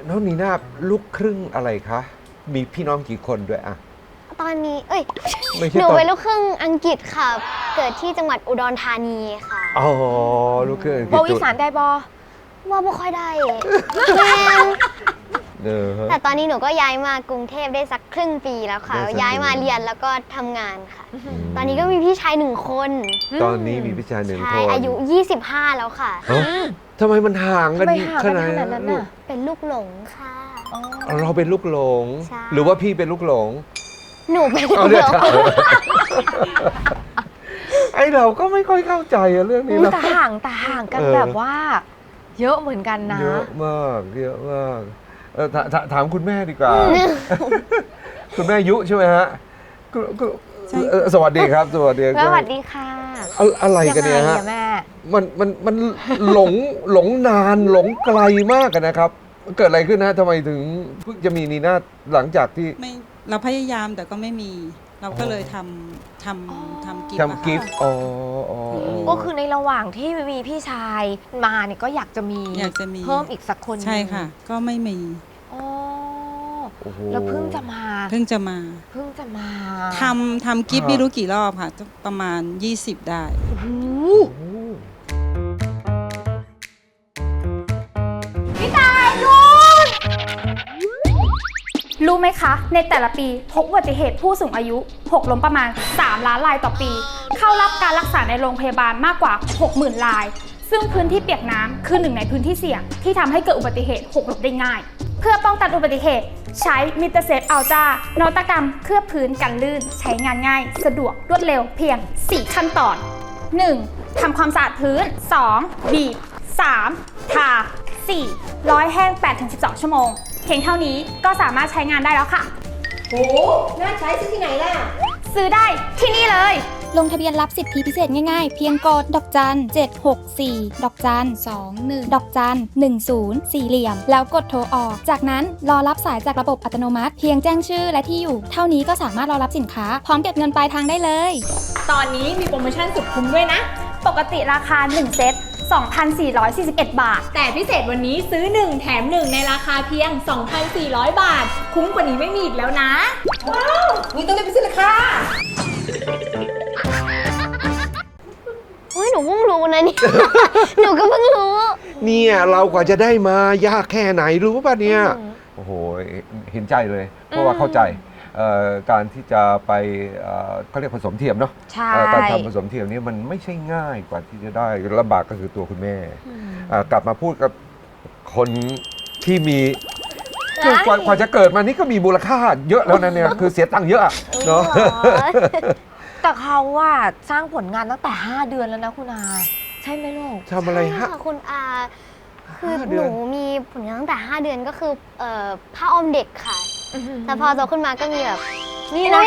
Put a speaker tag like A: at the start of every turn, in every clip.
A: น้องนีน่าลูกครึ่งอะไรคะมีพี่น้องกี่คนด้วยอะ
B: ตอนนี้
A: ไม่ใช่
B: หนูเป็นลูกครึ่งอังกฤษค่ะ เกิดที่จังหวัดอุดรธานีค่ะ
A: อ๋อลูกครึ่งอังกฤษ
C: บอกอีสานได้บอ
B: ว่าไม่ค่อยได้แต่ตอนนี้หนูก็ย้ายมากรุงเทพได้สักครึ่งปีแล้วค่ะย้ายมาเรียนแล้วก็ทำงานค่ะตอนนี้ก็มีพี่ชาย1 คน
A: ตอนนี้มีพี่ชาย1 คน
B: อายุ25แล้วค่ะ
A: ทำไมมันห่างกันขนาดนั้นน่ะ
B: เป็นลูกหลงค่ะ
A: เราเป็นลูกหลงหรือว่าพี่เป็นลูกหลง
B: หนูเป็นลูกหลง
A: ไอเราก็ไม่ค่อยเข้าใจเรื่องนี้นะ
C: แต่ห่างกันแบบว่าเยอะเหมือนกันนะ
A: เยอะมากถามคุณแม่ดีกว่าคุณแม่ยุใช่ไหมฮะสวัสดีครับสวัสดี
C: สวัสดีค่ะ
A: อะไรกันเนี่ยฮะมันหลงนานหลงไกลมากกันนะครับเกิดอะไรขึ้นนะทำไมถึงเพิ่งจะมีนีน่าหลังจากที่
D: เราพยายามแต่ก็ไม่มีเราก็เลยทำ
A: กิฟต์
C: ก็คือในระหว่างที่มีพี่ชายมาเนี่ยก็อยากจะมีเพิ่มอีกสักคน
D: ใช่ค่ะก็ไม่มี
C: แล้วเพิ่งจะมา
D: ทำกิฟต์ไม่รู้กี่รอบค่ะประมาณ20ได้
E: พี่ตายลูกรู้ไหมคะในแต่ละปีพบอุบัติเหตุผู้สูงอายุหกล้มประมาณ3 ล้านรายต่อปีเข้ารับการรักษาในโรงพยาบาลมากกว่า 60,000 รายซึ่งพื้นที่เปียกน้ำคือหนึ่งในพื้นที่เสี่ยงที่ทำให้เกิดอุบัติเหตุหกล้มได้ง่ายเพื่อป้องกันอุบัติเหตุใช้มิเตอร์เซฟอัลตร้านวัตกรรมเคลือบพื้นกันลื่นใช้งานง่ายสะดวกรวดเร็วเพียง4 ขั้นตอน 1. ทำความสะอาดพื้น 2. บีบ 3. ทา 4. ร้อยแห้ง 8-12 ชั่วโมงเพียงเท่านี้ก็สามารถใช้งานได้แล้วค่ะ
F: โหน่าใช้ซื้อที่ไหนล่ะ
E: ซื้อได้ที่นี่เลย
G: ลงทะเบียนรับสิทธิพิเศษง่ายๆเพียงกดดอกจัน764ดอกจัน21ดอกจัน10สี่เหลี่ยมแล้วกดโทรออกจากนั้นรอรับสายจากระบบอัตโนมัติเพียงแจ้งชื่อและที่อยู่เท่านี้ก็สามารถรอรับสินค้าพร้อมเก็บเงินปลายทางได้เลย
E: ตอนนี้มีโปรโมชั่นสุดคุ้มด้วยนะปกติราคา1เซต2,441 บาทแต่พิเศษวันนี้ซื้อ1แถม1ในราคาเพียง 2,400 บาทคุ้มกว่านี้ไม่มีอีกแล้วนะ
F: ว้าวนี่ต้องรีบไปซื้อเลยค่ะ
B: หนูเพิ่งรู้นะนี่ หนูก็เพิ่งรู้
A: เนี่ยเรากว่าจะได้มายากแค่ไหนรู้ป่ะเนี่ยโอ้โหเห็นใจเลยเพราะว่าเข้าใจการที่จะไปเขาเรียกผสมเทียมเนาะการทำผสมเทียมนี่มันไม่ใช่ง่ายกว่าที่จะได้ลำบากก็คือตัวคุณแม่กลับมาพูดกับคนที่มีกว่าจะเกิดมานี่ก็มีมูลค่าเยอะแล้วนะเนี่ยคือเสียตังค์เยอะเนาะ
C: แต่เขาว่าสร้างผลงานตั้งแต่5 เดือนแล้วนะคุณอาใช่ไหมลูก
A: ทำอะไรฮะ
B: คุณอาคือหนูมีผลงานตั้งแต่5 เดือนก็คือผ้าอ้อมเด็กค่ะแต่พอโตขึ้นมาก็มีแบบ
C: นี่นะ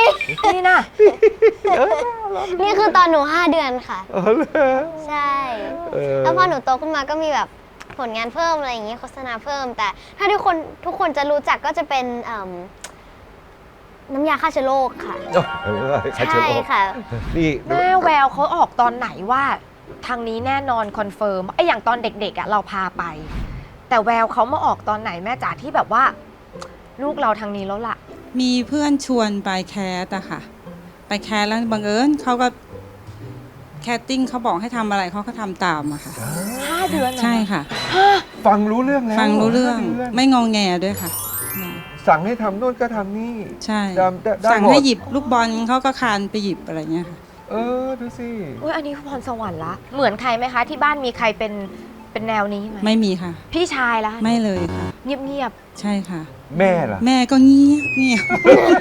B: นี่คือตอนหนู5 เดือนค่ะใช่แล้วพอหนูโตขึ้นมาก็มีแบบผลงานเพิ่มอะไรอย่างเงี้ยโฆษณาเพิ่มแต่ถ้าทุกคนจะรู้จักก็จะเป็นน้ำยาฆ่าเชื้อโรคค่ะใช่ค่ะ
A: นี่
C: แม่แววเขาออกตอนไหนว่าทางนี้แน่นอนคอนเฟิร์มไอ้อย่างตอนเด็กๆเราพาไปแต่แววเขามาออกตอนไหนแม่จ๋าที่แบบว่าลูกเราทางนี้แล้วล่ะ
D: มีเพื่อนชวนไปแคสอะค่ะไปแคสแล้วบังเอิญเขาก็แคสติ้งเขาบอกให้ทำอะไรเขาก็ทำตามอะค่ะ
C: 5 เดือน
D: ใช่ค่ะ
A: ฟังรู้เรื่องแล้ว
D: ฟังรู้เรื่องไม่งอแงด้วยค่ะ
A: สั่งให้ทำโน่นก็ทำนี่
D: ใช่สั่งให้หยิบลูกบอลเขาก็คานไปหยิบอะไรเงี้ยค่ะ
A: ดูสิ
C: อันนี้พรสวรรค์ละเหมือนใครไหมคะที่บ้านมีใครเป็นแนวนี้ไหม
D: ไม่มีค่ะ
C: พี่ชายละ
D: ไม่เลยค่ะ
C: เงียบ
D: ใช่ค่ะ
A: แม่ล่ะ
D: แม่ก็เงียบ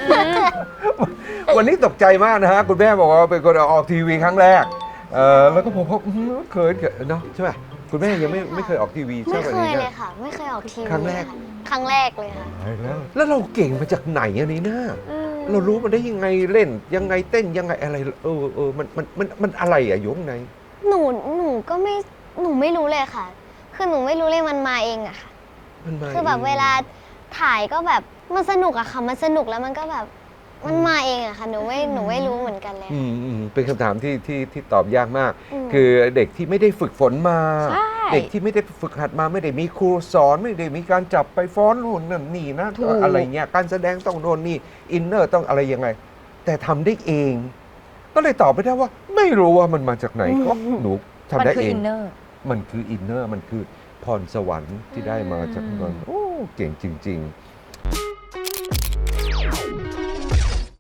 A: วันนี้ตกใจมากนะฮะคุณแม่บอกว่าเป็นคนออกทีวีครั้งแรกแล้วก็ผมก็เคยเนาะใช่ไหมคุณแม่ยังไม่เคยออกทีวี
B: ไม่เคยเลยค่ะไม่เคยออกทีวี
A: ครั้งแรก
B: เลยค่ะ
A: แล้วเราเก่งมาจากไหนอันนี้นะเรารู้มันได้ยังไงเล่นยังไงเต้นยังไงอะไรมันอะไรอะยงไง
B: หนูก็ไม่หนูไม่รู้เลยค่ะคือหนูไม่รู้เลยมันมาเองอะค่ะคือแบบเวลาถ่ายก็แบบมันสนุกอะค่ะมันสนุกแล้วมันก็แบบมันมาเองอะค่ะหนูไม่รู้เหมือนกันเลย
A: เป็นคำถามที่ตอบยากมาก
B: อืม
A: คือเด็กที่ไม่ได้ฝึกฝนมา
C: ใช่
A: เด็กที่ไม่ได้ฝึกหัดมาไม่ได้มีครูสอนไม่ได้มีการจับไปฟ้อนรุ่นนั่นนี่นะ
C: ถูก
A: อะไรเงี้ยการแสดงต้องโน่นนี่อินเนอร์ต้องอะไรยังไง แต่ทำได้เอง ก็เลยตอบไม่ได้ว่า ไม่รู้ว่ามันมาจากไหนก็หนูทำ
C: มัน
A: ได้
C: คือ
A: เอง
C: อินเนอร์
A: มันคืออินเนอร์มันคือพรสวรรค์ที่ได้มาจากมันโอ้เก่งจริง ๆ